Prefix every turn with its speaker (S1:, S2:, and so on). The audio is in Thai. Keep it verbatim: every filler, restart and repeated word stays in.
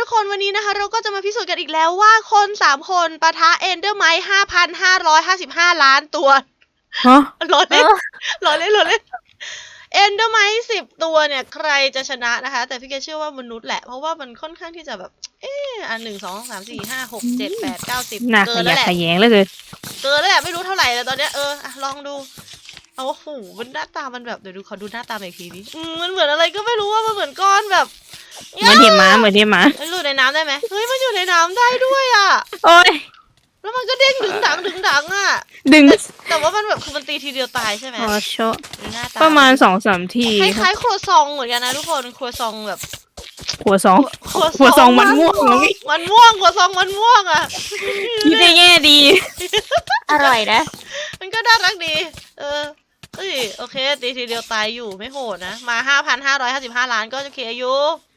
S1: คนวันนี้นะคะเราก็จะมาพิสูจน์กันอีกแล้วว่าคนสามคนปะทะเอนเดอร์ไมท์ห้าพันห้าร้อยห้าสิบห้าล้านตัว
S2: ฮะ
S1: รอเล่นรอเล่นรอเล่นเอนเดอร์ไมท์สิบตัวเนี่ยใครจะชนะนะคะแต่พี่เกเชื่อว่ามนุษย์แหละเพราะว่ามันค่อนข้างที่จะแบบเอออันหนึ่งสองสามสี่ห้าหกเจ็ดแปดเก้าสิบ
S2: หน้า
S1: เกิ
S2: ข
S1: นแล้
S2: ยะ
S1: วแหละ
S2: ขยงเหลยคือ
S1: เกินแล้วแหละไม่รู้เท่าไหร่แล้วตอนเนี้ยเออลองดูเอาโอ้โหมันหน้าตามันแบบเดี๋ยวดูขอดูหน้าตาอีกทีดิอืมมันเหมือนอะไรก็ไม่รู้ว่ามันเหมือนก้อนแบบ
S2: เหมือนเห็บหมาเหมือนเห็บหมา
S1: มันอยู่ในน้ำได้ไหมเฮ้ยมันอยู่ในน้ำได้ด้วยอ่ะ
S2: โอ้ย
S1: แล้วมันก็เด้งดึงดังดึงดังอ่ะ
S2: ดึง
S1: แต่แต่ว่ามันแบบคือมันตีทีเดียวตายใช่ไหม
S2: อ๋อโชะ
S1: ดูหน้าตา
S2: ประมาณสองสามที
S1: คล้ายๆครัวซองเหมือนกันนะทุกคนครัวซองแบบ
S2: หัวสอง
S1: ครัว
S2: หัวซองมันม่วงเหรอพี่
S1: มันม่วงครัวซองมันม่วงอ่ะ
S2: คิดได้แง่ดี
S3: อร่อยนะ
S1: มันก็น่ารักดี เออเอ้ยโอเคตีทีเดียวตายอยู่ไม่โหดนะมาห้าพันห้าร้อยห้าสิบห้าล้านก็โอเคอยู่